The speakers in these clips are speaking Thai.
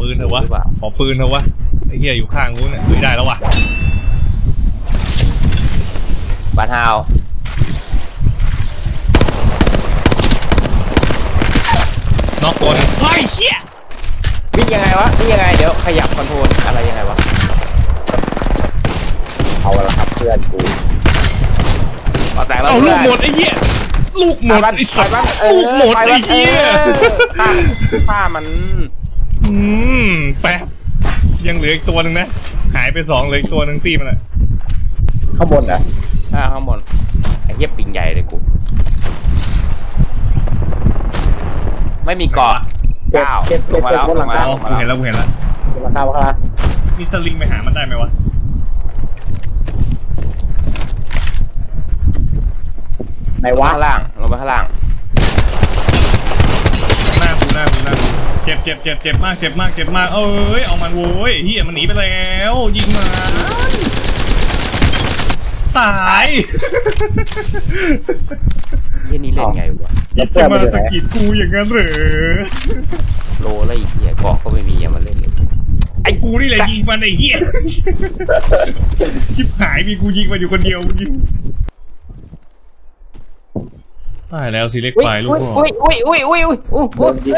ปืนเถอะวะขอปืนเถอะวะไอ้เหี้ยอยู่ข้างนู้นเนี่ยได้แล้ววะบาทาวน็อกตัวนึงไอ้เหี้ยวิ่งยังไงวะวิ่งยังไงเดี๋ยวขยับคอนโทรลอะไรยังไงวะเอาละครับเพื่อนกูเอาลูกหมดไอ้เหี้ยลูกหมดไอ้สัตว์ลูกหมดไอ้เหี้ยฆ่ามันแป๊บยังเหลืออีกตัวนึงนะหายไป2เหลืออีกตัวนึงตีมันอะข้างบนอ่ะข้างบนไอ้เหี้ยปิงใหญ่เลยกูไม่มีเกาะลงมาแล้วลงมาแล้วกูเห็นแล้วราคามีสลิงไปหามันได้ไหมวะไหนวะข้างล่างลงไปข้างล่างหน้ากูเจ็บมากเอ้ยเอามันโว้ยเฮียมันหนีไปแล้วยิงมาตายเฮียนี่เล่นไงวะจะมาสกิดกูอย่างนั้นเหรอโลแล้วไอ้เฮียเกาะก็ไม่มีอย่ามาเล่นไอ้กูนี่แหละยิงมันไอ้เฮียชิบหายมีกูยิงมันอยู่คนเดียวยิงตายแล้วสิเล็กไฟลูกพ่อโดนยิง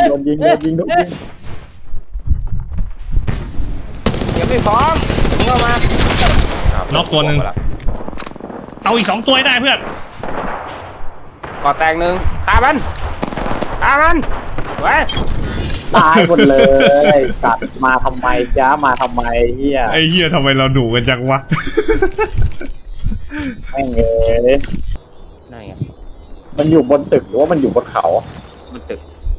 ยังไม่พร้อมเข้ามาน็อกตัวนึงเอาอีก2ตัวได้เพื่อนก่อแตงหนึ่งฆ่ามันไว้ตายหมดเลยสัตว์มาทำไมจ้ามาทำไมเฮียไอ้เฮียทำไมเราดุกันจังวะไม่เงี้ยนั่นไงมันอยู่บนตึกหรือว่ามันอยู่บนเขาบนตึก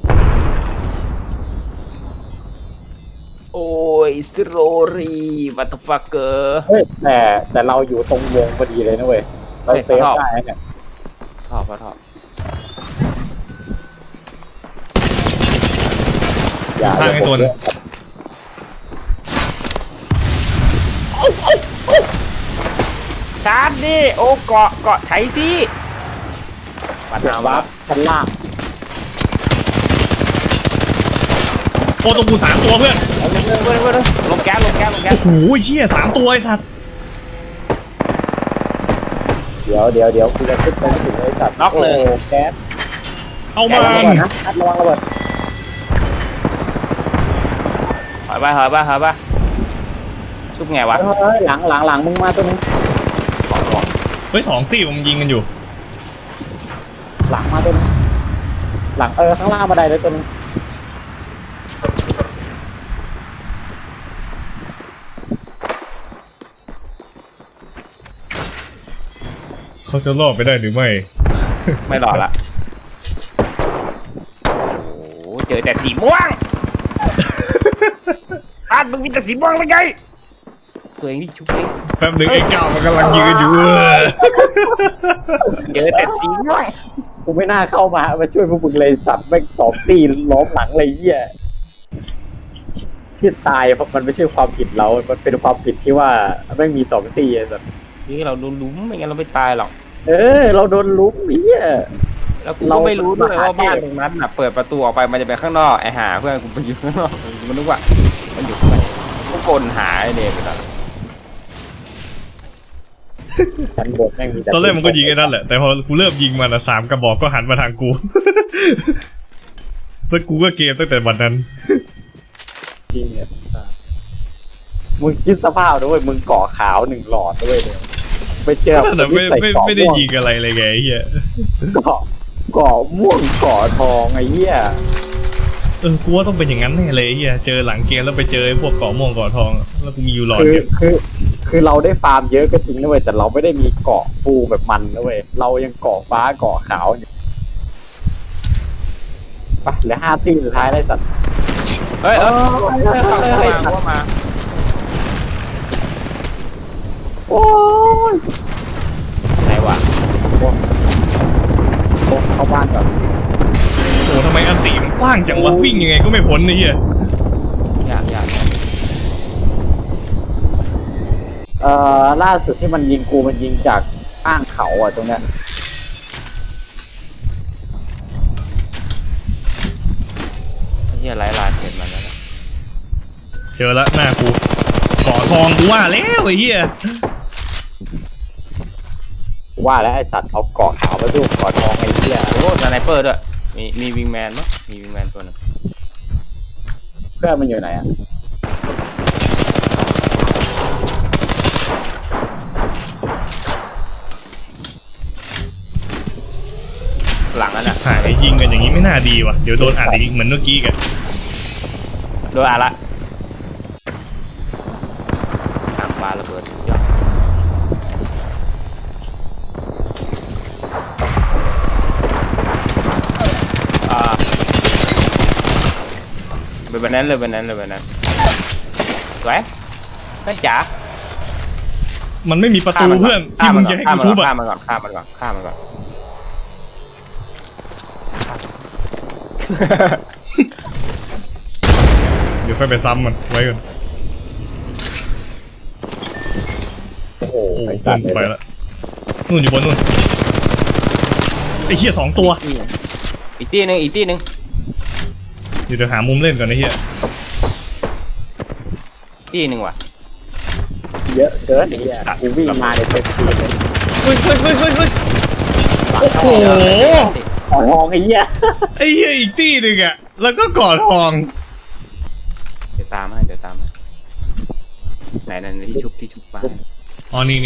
โอ้ยสโรรีวัตฟักเกอร์เฮ้ยแต่เราอยู่ตรงวงพอดีเลยนะเว้ยเราเซฟได้เนี่ยถอดอย่าข้างไอ้ตัวนึงชาร์จดิโอ้เกาะใช้สิปัญหาวับชั้นล่างโอ้ตรงกู3ตัวเพื่อนลงแก๊สโอ้โหเชี่ย3ตัวไอ้สัตว์เดี๋ยวกูจะขึ้นไปถึงไอ้สัตว์น็อกเลยแก๊สเอามันระวังระเบิดถอยไปชุบไงวะหลังมึงมาตัวนึงเฮ้ย2ตีมันยิงกันอยู่หลังมาตัวนึงหลังข้างล่างบันไดเลยตัวนึงเขาจะรอดไปได้หรือไม่รอดละโอ้เจอแต่สีม่วงมึงมีแต่สีม่วงเลยไงตัวเองนี่ชุบเองแป๊บนึงไอ้ก้าวมันกำลังยืนอยู่เจอแต่สีม่วงกูไม่น่าเข้ามาช่วยพวกมึงเลยสัตว์แม่ง2 ตีล้อมหลังเลยเหี้ยที่ตายเพราะมันไม่ใช่ความผิดเรามันเป็นความผิดที่ว่าแม่งมี2 ตีสัตว์นี่เราโดนลุ้มไม่งั้นเราไม่ตายหรอกเราโดนลุ้มเหี้ยแล้วกูก็ไม่รู้ด้วยว่าบ้านตรงนั้นน่ะเปิดประตูออกไปมันจะไปข้างนอกไอ้หาเพื่อนกูไปอยู่ข้างนอกมันนึกว่ามันอยู่ข้างในกูกลหาไอ้เนี่ยไปแล้วตอนแรกมันก็ยิงไอ้นั่นแหละแต่พอกูเริ่มยิงมัน3 กระบอกก็หันมาทางกูแล้วกูก็เกมตั้งแต่วันนั้นจริงเนี่ยมึงคิดสภาพด้วยมึงเกาะขาว1 หลอดด้วยเนี่ยไปเจอแต่ไม่ได้ยิงอะไรเลยไงเฮียเกาะม่วงเกาะทองไอ้เหี้ยกูว่าต้องเป็นอย่างนั้นแน่เลยเฮียเจอหลังเกมแล้วไปเจอพวกเกาะม่วงเกาะทองแล้วกูมีอยู่หลอดคือเราได้ฟาร์มเยอะก็จริงนะเว้ยแต่เราไม่ได้มีเกาะฟูแบบมันนะเว้ยเรายังเกาะฟ้าเกาะขาวอยู่ไปเหลือ5 ตีสุดท้ายได้สัตว์เฮ้ยมาโอ้ยไหนวะเข้าบ้านก่อนโอ้ทำไมอันตีมันกว้างจังวะวิ่งยังไงก็ไม่พ้นนี่เฮียยากล่าสุดที่มันยิงกูมันยิงจากข้างเขาตรงเนี้ยเฮียไล่ลาเสร็จมาแล้วเจอละหน้ากูก่อทองกูว่าแล้วไอ้เหี้ยว่าแล้วไอสัตว์เอาเกาะขาวมาสู้เกาะทองไอ้เหี้ยโอ้สไนเปอร์ด้วยมีวิงแมนมั้ยมีวิงแมนตัวนึงเพื่อนมันอยู่ไหนอ่ะหลังนั้นอ่ะหายยิงกันอย่างนี้ไม่น่าดีว่ะเดี๋ยวโดนอัดอีกเหมือนเมื่อกี้กันโดนละทางปลาระเบิดยอดเป็นแบบนั้นเลยแบบนั้นเลยแบบนั้นสวยเพื่อนจ๋ามันไม่มีประตูเพื่อนที่มึงจะให้กูชุบอะข้ามมันก่อนข้ามมันก่อนข้ามมันก่อนเดี๋ยวค่อยไปซ้ำมันไว้ก่อนโอ้โหโอ้ไอเพื่สัอตนว์กูไปละนู่นอยู่บนนู่นไอ้เหี้ย2 ตัวอีกที่หนึ่งอีกที่หนึ่งเดี๋ยวหามุมเล่นก่อนไอ้เหี้ยที่หนึ่งว่ะเยอะเกินไอ้เหี้ยกูวิ่งมาในเต็มที่เลยเฮ้ยโอ้โหเกาะทองไอ้เหี้ยไอ้เหี้ยอีกที่หนึ่งอะแล้วก็ก่อทองเดี๋ยวตามให้เดี๋ยวตามให้ไหนนั่นที่ชุบมาอ๋อนี่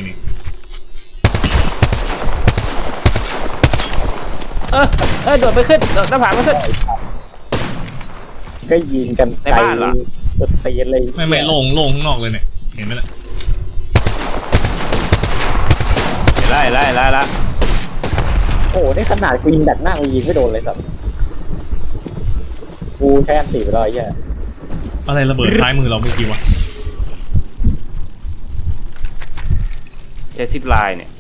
โดดไปขึ้นโดดหน้าผาไม่ขึ้นก็ยิงกันในบ้านเหรอสุดตีนเลยไม่โล่งข้างนอกเลยเนี่ยเห็นไหมล่ะไล่ละโอ้โหนี่ขนาดกูยิงดักหน้ากูยิงไม่โดนเลยสัตว์กูแค่ตีไปแล้วไอ้เหี้ยอะไรระเบิดซ้ายมือเราเมื่อกี้วะใช้ซิปไลน์เนี่ย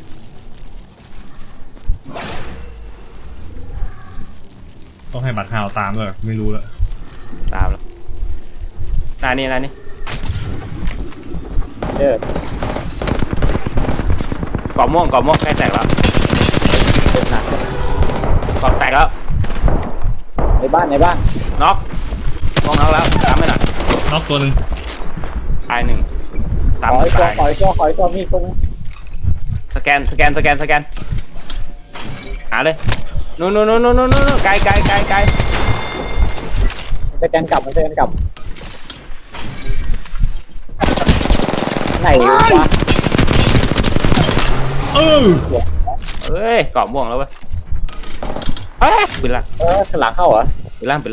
ต้องให้บัตรฮาวตามเลยไม่รู้แล้วตามแล้วนายนี่เออเกาะม่วงใกล้แตกแล้วหนักเกาะแตกแล้วในบ้านน็อกม่วงน็อกแล้วตามไม่หน่อยน็อกตัวหนึ่งตายหนึ่งตามขอไม่ตัวตายขอตัวมีตรงสแกนหาเลยนู่นไกลสแกนกลับไหนวะเออเอ้ยเกาะม่วงแล้วเว้ยเฮ้ยปืนลั่นข้างหลังเข้าเหรอปืนลั่น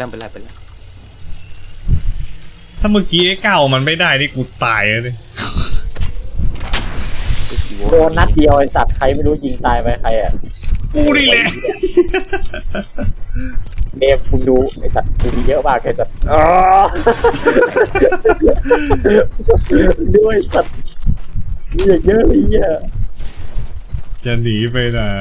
ถ้าเมื่อกี้ไอ้ก้าวมันไม่ได้นี่กูตายเลยโดนนัดเดียวไอ้สัตว์ใครไม่รู้ยิงตายไปใครอ่ะกูนี่แหละเดมมึงดูไอ้สัตว์กูมีเยอะมากไอ้สัตว์ด้วยสัตว์มีเยอะเลยเหี้ยจะหนีไปไหน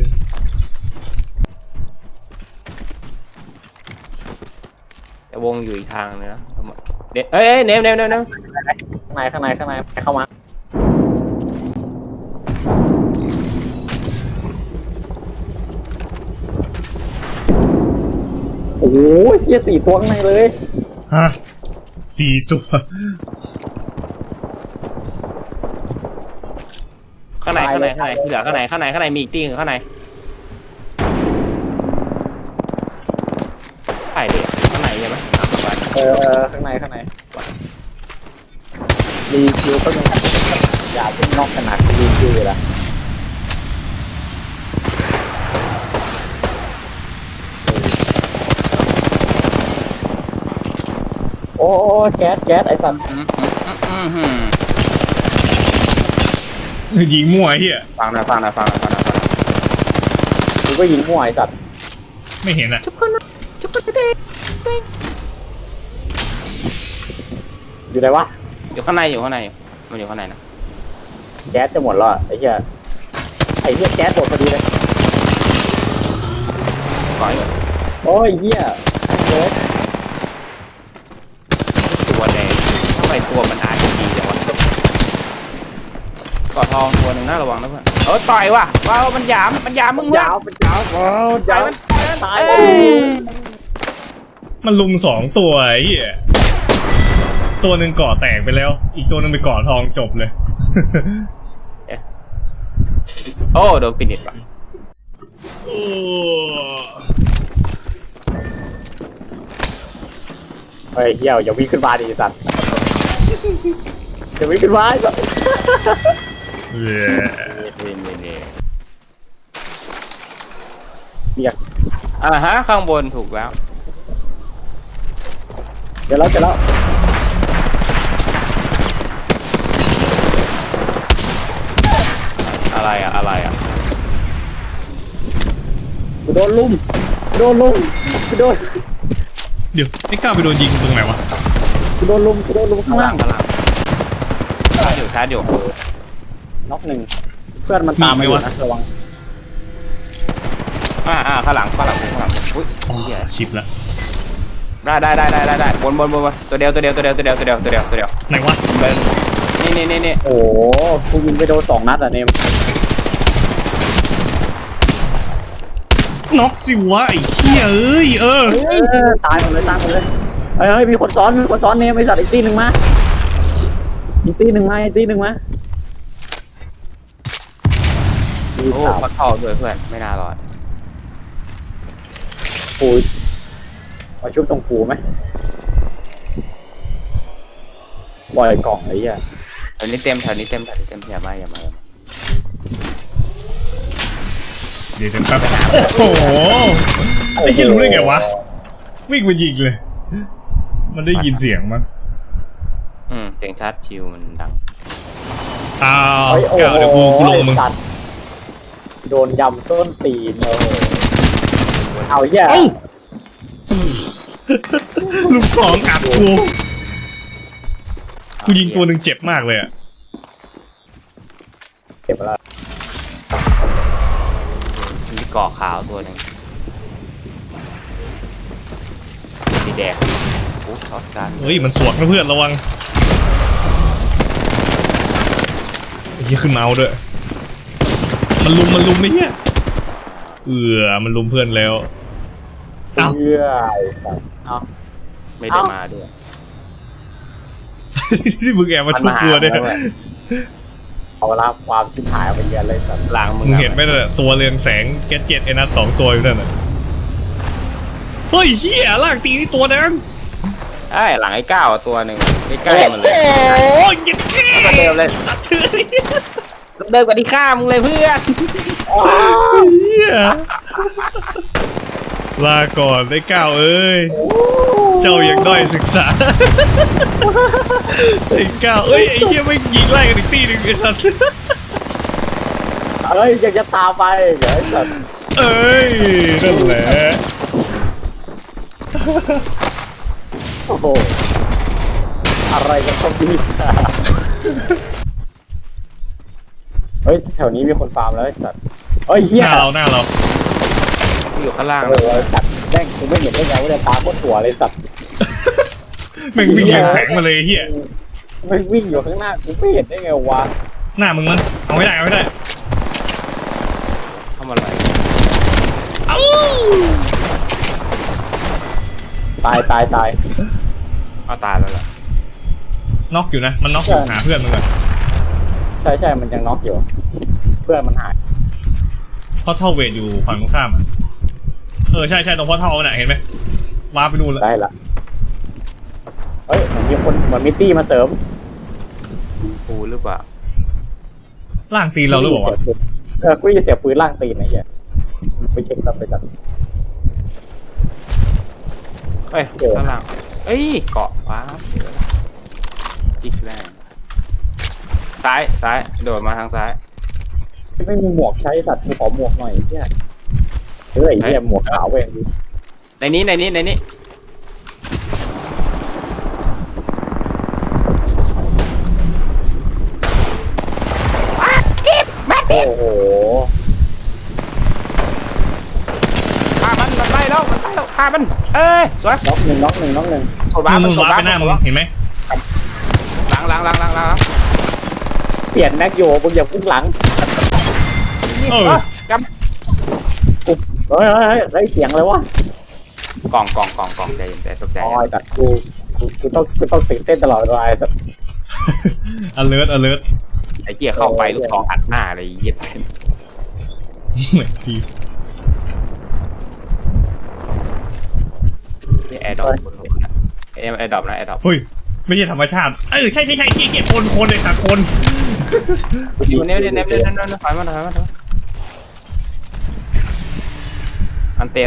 แต่วงอยู่อีกทางเลยนะเฮ้ยเนมข้างในเข้ามาโอ้โหเหี้ย4 ตัวข้างในเลยฮะ4 ตัวข้างในที่เหลือข้างในมีอีกตีข้างในไปดิข้างในใช่ไหมข้างในรีคิวก็ยังอย่าเป็นนอกขนาดรีคิวเลยละโอ้แก๊สไอ้สันยิงมั่วไอ้เหี้ยฟังนะกูก็ยิงมั่วไอ้สัตว์ไม่เห็นอะชุบคนเต้อยู่ไหนวะอยู่ข้างในมันอยู่ข้างในนะแก๊สจะหมดแล้วอะไอ้เหี้ยแก๊สหมดพอดีเลยก่อนอยู่โอ้ยเหี้ยเก๊สตัวแดงทำไมตัวมันอาจจะดีจังวะเกาะทองตัวหนึ่งน่าระวังนะเพื่อนต่อยว่ะว้าวมันหยามมึงเพื่อนยาวว้าวต่อยมันตายมันลุม2 ตัวไอ้เหี้ยตัวหนึ่งก่อแตกไปแล้ว อีกตัวหนึ่งไปก่อทองจบเลยโอ้โดนฟินิชว่ะเฮ้ยเหี้ยวอย่าวิ่งขึ้นมาดิสัตว์อย่าวิ่งขึ้นมาไอ้สัตว์นี่เรียกฮะข้างบนถูกแล้วเดี๋ยวแล้วอะไรอ่ะกูโดนลุมกูโดนเดี๋ยวไอ้ก้าวไปโดนยิงตรงไหนวะกูโดนลุมข้างล่างชาร์จอยู่น็อกหนึ่งเพื่อนมันตามมาอยู่นะระวังข้างหลังอุ้ยอ๋อชิปละได้บนตัวเดียวไหนวะนี่โอ้โหกูยิงไปโดน2 นัดอ่ะเนมน็อกสิวะไอ้เหี้ยเอ้ยตายหมดเลยเฮ้ยมีคนซ้อนเนมไอ้สัตว์อีกตีหนึ่งมามีโอ้เขาท่อด้วยเพื่อนไม่น่ารอดปูมาชุบตรงปูไหมปล่อยกล่องไอ้เหี้ยแถวนี้เต็มอย่ามาเดี๋ยวแป๊บโอ้โหไอ้เหี้ยรู้ได้ไงวะวิ่งมายิงเลย มันได้ยินเสียงมั้งเสียงชาร์จชิวมันดังอ้าวก้าวเดี๋ยวกูลงมึงโดนยำต้นตีนเลยเอาเหี้ยลูกสองอัดกูยิงตัวหนึ่งเจ็บมากเลยอะเก็บแล้วมีเกาะขาวตัวหนึ่งสีแดงโอ้ช็อตกันเฮ้ยมันสวดนะเพื่อนระวังไอ้เหี้ยขึ้นเมาส์ด้วยมันลุมไม่เนี่ยมันลุมเพื่อนแล้ว เอ้าเหี้ยเอาไม่ได้มาด้วยที่มึงแอบมาชุบกูเนี่ยเอาละความชิบหายไปเยอะเลยสัตว์หลังมึงเห็นไหมน่ะตัวเรืองแสงแก๊สเจ็ตไอ้นัท2 ตัวอยู่นั่นน่ะเฮ้ยเหี้ยลากตีนี่ตัวนึงหลังไอ้ก้าวตัวหนึ่งใกล้ๆมันเลยโอ้ยยัดแค่เร็วเลยสัตว์เฮ้ยเดินกว่าที่ข้ามึงเลยเพื่อนเหี้ยลาก่อนได้ก้าวเอ้ยเจ้ายังด้อยศึกษาไอ้ก้าวเอ้ยไอ้เหี้ยไม่ยิงไล่กันอีกตีหนึ่งไอ้สัตว์เอ้ยยังจะตามไปเดี๋ยวไอ้สัตว์เอ้ยนั่นแหละโอ้โหอะไรกันครับพี่เฮ้ยแถวนี้มีคนฟาร์มแล้วไอ้สัตว์เฮ้ยเหี้หยน้าเราอยู่ข้างล่างโอ้โหสัตว์แม่งกูไม่เห็นได้ไงว่าจะตามบนตัวเลยสัตว์แม่งวิ่งเรืองแสงมาเลยเหี้ยไม่วิ่งอยู่ข้างหน้ากูไม่เห็นได้ไงวะหน้ามึงมันเอาไม่ได้เข้ามาอะไรเอ้าตายเอาตายแล้วเหรอน็อกอยู่นะมันน็อกอยู่หาเพื่อนมึงก่อนใช่มันยังน็อกอยู่เพื่อนมันหายเพราะเท่าเวทอยู่ฝั่งตรงข้ามอะใช่ตรงพ่อเท่าน่ะเห็นไหมวาร์ปไปดูแล้วได้ละเฮ้ยเหมือนมีตี้มาเสริมปูหรือเปล่าล่างตีนเราหรือเปล่าวะกูจะเสียปืนล่างตีนไอ้เหี้ยไปเช็คตับไปจัดข้างล่างเกาะว้าอีกแล้วซ้ายโดดมาทางซ้ายไม่มีหมวกใช้สัตว์กูขอหมวกหน่อยไอ้เหี้ยเฮ้ยไอ้เหี้ยหมวกขาวเว้ยในนี้โอ้โหฆ่ามันไล่แล้วฆ่ามันสวยน็อกหนึ่งมึงวาร์ปไปหน้ามึงเห็นไหมหลังเปลี่ยนแม็กโยมึงอย่าพุ่งหลังกเฮ้ยได้เสียงเลยวะกล่องใจเย็นใจตกใจอ๋อแต่กูกูต้องตื่นเต้นตลอดเวลาไอ้สัส alert alert ไอ้เกียเข้าไปลูกซองอัดหน้าเลยเย็บเหมือนทีนี่แอร์ดรอปแอร์ดรอปนะแอร์ดรอปเฮ้ยไม่ใช่ธรรมชาติใช่เก็บคนเลยสักคนเนี่ยถอยมาอันเตะ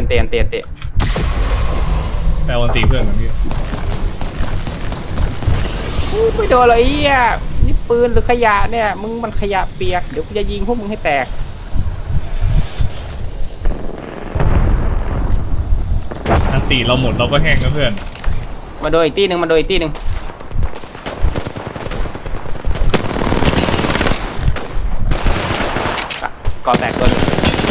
แปลวันตีเพื่อนแบบนี้ไม่โดนเลยอ่ะนี่ปืนหรือขยะเนี่ยมึงมันขยะเปียกเดี๋ยวกูจะยิงพวกมึงให้แตกอันตีเราหมดเราก็แห้งนะเพื่อนมาโดนอีกตีหนึ่งก่อแตกตัวนึง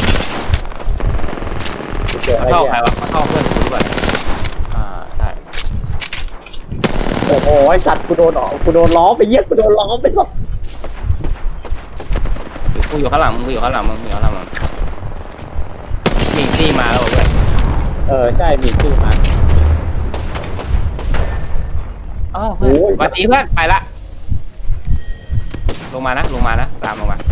กูเจอไอ้เข้าเหี้ใครยวะเข้าเพื่อนกูก่อนใช่โอ้โหไอ้สัตว์กูโดนล้อไปเยี่ยกูโดนล้อไปสัสกูอยู่ข้างหลังมึงมีตีมาแล้วเพื่อนใช่มีชื่อมาอ๋อเพื่อนสวัสดีเพื่อนไปละลงมานะตามลงมา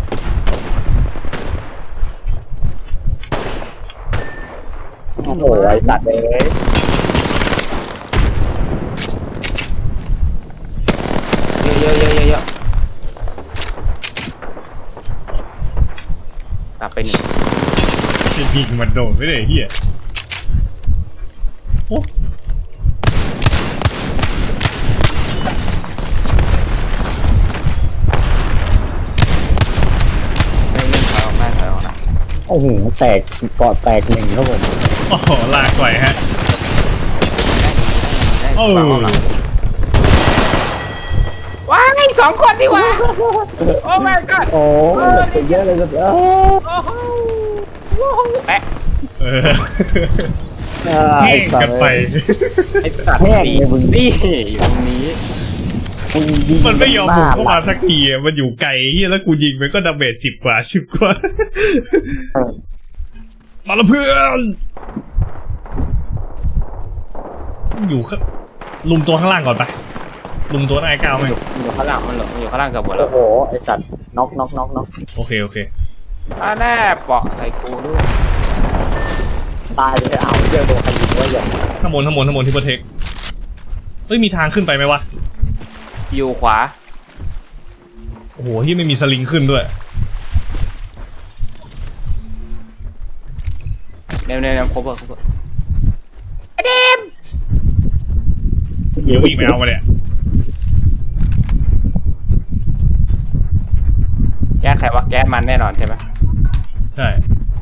โอ้โหไอ้สัตว์เลยเยอะกลับไปหนึ่งจะยิงมันโดนไม่ได้เฮียโอ้ถอยออกนะโอ้โหแตกเกาะแตกหนึ่งครับผมโอ้โหลากก่อยฮะโอ้ว้ายสองคนดีกว่าโอ้ my god โอ้เยอะเลยสัสโอ้โหแปะแห้งกันไปไอ้สัตว์นี่อยู่ตรงนี้มันไม่ยอมบุกเข้ามาสักทีมันอยู่ไกลเฮียแล้วกูยิงมันก็ดาเมจ10 กว่ามาละเพื่อนอยู่ลุมตัวข้างล่างก่อนไปลุมตัวหน้าไอ้ก้าวไหมอยู่ข้างล่างมันอยู่ข้างล่างเกือบหมดแล้โอ้วโหไอ้สัตว์น็อกโอเคแน่เปาะใส่กูด้วยตายเลยเอาเจอโดนใครยิงวะอย่างข้างบนที่โปรเทคเฮ้ยมีทางขึ้นไปไหมวะอยู่ขวาโอ้โหที่ไม่มีสลิงขึ้นด้วยเนี่ยครบไอ้เดมเดี๋ยววิ่งไปเอามาเนี่ยแก๊สใครวะแก๊สมันแน่นอนใช่ไหมใช่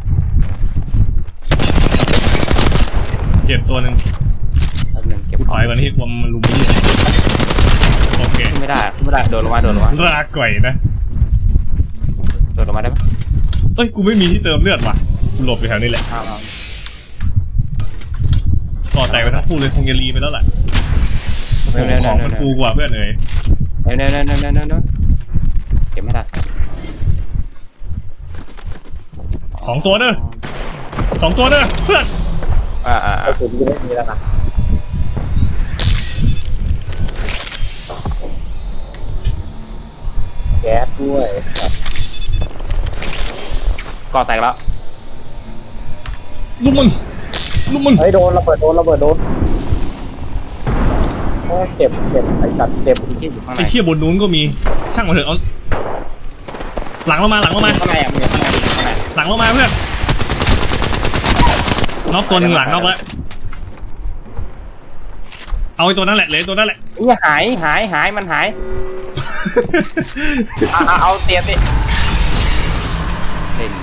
เจ็บตัวหนึ่งแป๊บนึงเก็บถอยก่อนที่มันลุมไม่ยิงโอเคไม่ได้โดนลงมาลากก่อยนะโดนลงมาได้ไหมเอ้ยกูไม่มีที่เติมเลือดว่ะกูหลบอยู่แถวนี้แหละอ้าวก่อแตกไปทั้งคู่เลยคงจะรีไปแล้วแหละของมันฟูกว่าเพื่อนเอ๋ยเนี่ยเก็บไม่ได้ 2 ตัวเด้อเพื่อนไอ้สุดยังไม่มีแล้วนะแก๊สด้วยครับก่อแตกแล้วลุมมึงเฮ้ยโดนระเบิดโดนโอ้เจ็บไอ้สัตว์เจ็บที่อยู่ข้างในไอ้เชี่ยบนนู้นก็มีช่างมาเถอะเอาหลังเรามาข้างในอ่ะมึงอยู่ข้างในหลังเรามาเพื่อนน็อกตัวหนึ่งหลังน็อกแล้วเอาไอ้ตัวนั้นแหละเลยตัวนั้นแหละนี่หายมันหายเอาเตียนดิเล่น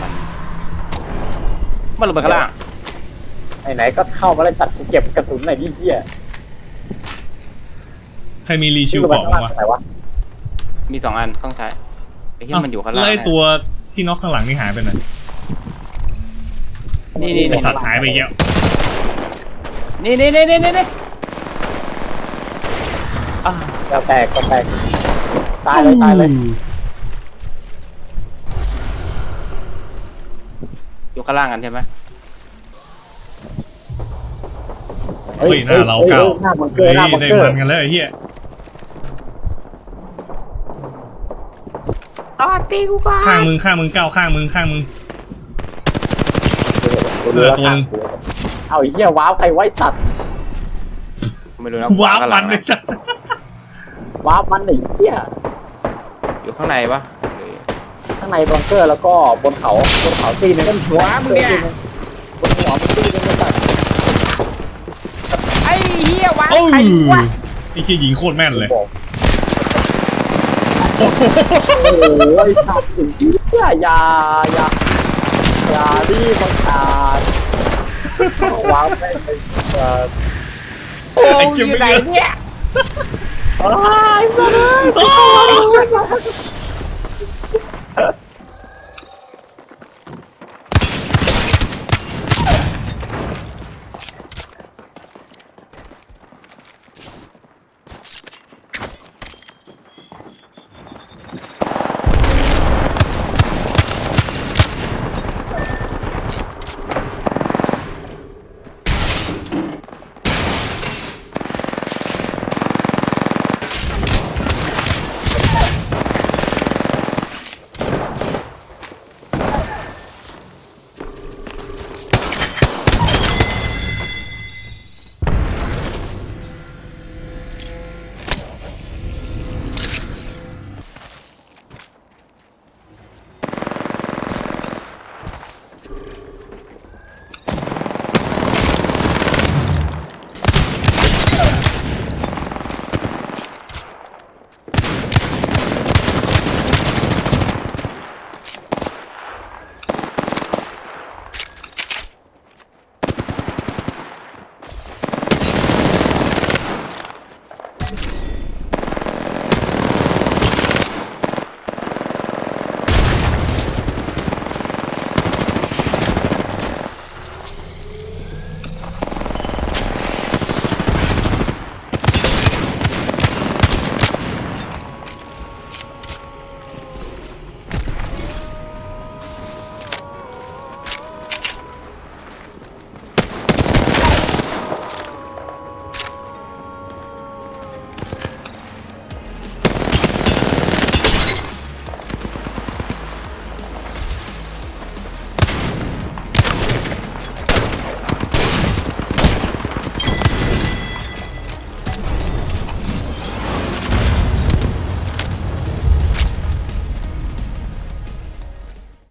มันลงไปข้างล่างไหนก็เข้ามาเลยสัตว์กูเก็บกระสุนหน่อยดิเหี้ยใครมีรีชิวเกาะบ้างวะไหนวะมี2 อันต้องใช้ไอ้ที่มันอยู่ข้างล่างไล่ตัวที่น็อกข้างหลังนี่หายไปไหนนี่ไอสัตว์หายไปอีกแล้วนี่ก็แตกตายเลยอยู่ข้างล่างกันใช่ไหมเฮ้ยหน้าเราเก่าหน้าบังเกอเฮ้ร์ยหน้าบังได้เกอมันร์กันแล้วไอ้เหี้ยต่อตีกูก่อนข้างมึงก้าวข้างมึงกูรู้แล้วค่ะเอาไอ้เหี้ยว้าวใครไว้สัตว์ไม่รู้นะว้าวข้งหมัลันงเลยจ้ะว้าวมันไอ้เหี้ยอยู่ข้างในปะข้างในบังเกอร์แล้วก็บนเขาตีนึงหัวมึงเนี่ยบนหัวมึงตีนึงก็สัตว์ไอ้เหี้ยวะโอ้ยไอ้วะไอ้เหี้ยยิงโคตรแม่นเลยบอกโอ้โหโอ้โหไอ้สัตว์ถึงที่อย่าดิบังอาจว้าวแม่งเลยสัตว์โอ้ยอยู่ไหนเนี่ยไอ้สัตว์